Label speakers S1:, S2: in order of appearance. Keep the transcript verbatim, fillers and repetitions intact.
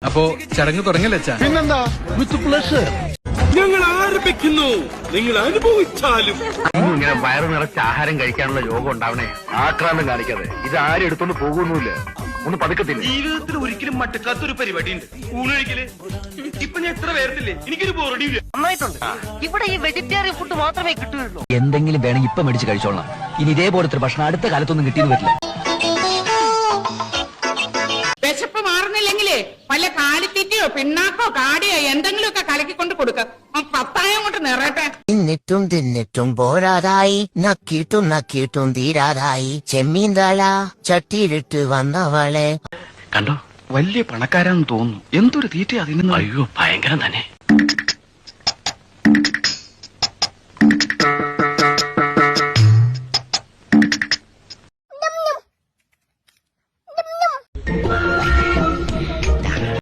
S1: അപ്പോ ചടങ്ങ് തുടങ്ങല്ലേ അച്ഛാ?
S2: പിന്നെന്താ, വിത്ത് പ്ലഷർ.
S3: ഞങ്ങൾ ആരംഭിക്കുന്നു, നിങ്ങൾ അനുഭവിച്ചാലും.
S4: ഇങ്ങനെ വയറു നിറച്ച് ആഹാരം കഴിക്കാനുള്ള യോഗം ഉണ്ടാവണേ. ആക്രാന്തം കാണിക്കാതെ. ഇത് ആരും എടുത്തൊന്നും പോകുന്നില്ല, ഒന്ന് പതുക്കത്തില്ല.
S3: ജീവിതത്തിൽ ഒരിക്കലും മട്ടക്കാത്തൊരു പരിപാടി ഉണ്ട്, ഊണൊഴിക്കല്. ഇപ്പൊ ഞാൻ എത്ര പേർത്തില്ലേ, എനിക്കൊരു ബോറടിയില്ല.
S5: നന്നായിട്ടുണ്ട്. ഇവിടെ ഈ വെജിറ്റേറിയൻ ഫുഡ് മാത്രമേ കിട്ടുകയുള്ളൂ.
S6: എന്തെങ്കിലും വേണമെങ്കിൽ ഇപ്പൊ മേടിച്ച് കഴിച്ചോളാം. ഇനി ഇതേപോലത്തെ ഭക്ഷണം അടുത്ത കാലത്തൊന്നും കിട്ടിയെന്ന് വരില്ല.
S7: വിശപ്പ് മാറുന്നില്ലെങ്കിലേ വല്ല കാലിത്തീറ്റയോ പിണ്ണാക്കോ കാടിയോ എന്തെങ്കിലും ഒക്കെ കലക്കിക്കൊണ്ട് കൊടുക്ക. പത്തായം കൊണ്ട് നിറയട്ടെ.
S8: തിന്നിട്ടും തിന്നിട്ടും പോരാതായി, നക്കിയിട്ടും നക്കിയിട്ടും തീരാതായി, ചെമ്മീൻ തല ചട്ടിയിലിട്ട് വന്നവളെ
S4: കണ്ടോ, വലിയ പണക്കാരാന്ന് തോന്നുന്നു. എന്തൊരു തീറ്റ അതിന്. അയ്യോ, ഭയങ്കരം തന്നെ.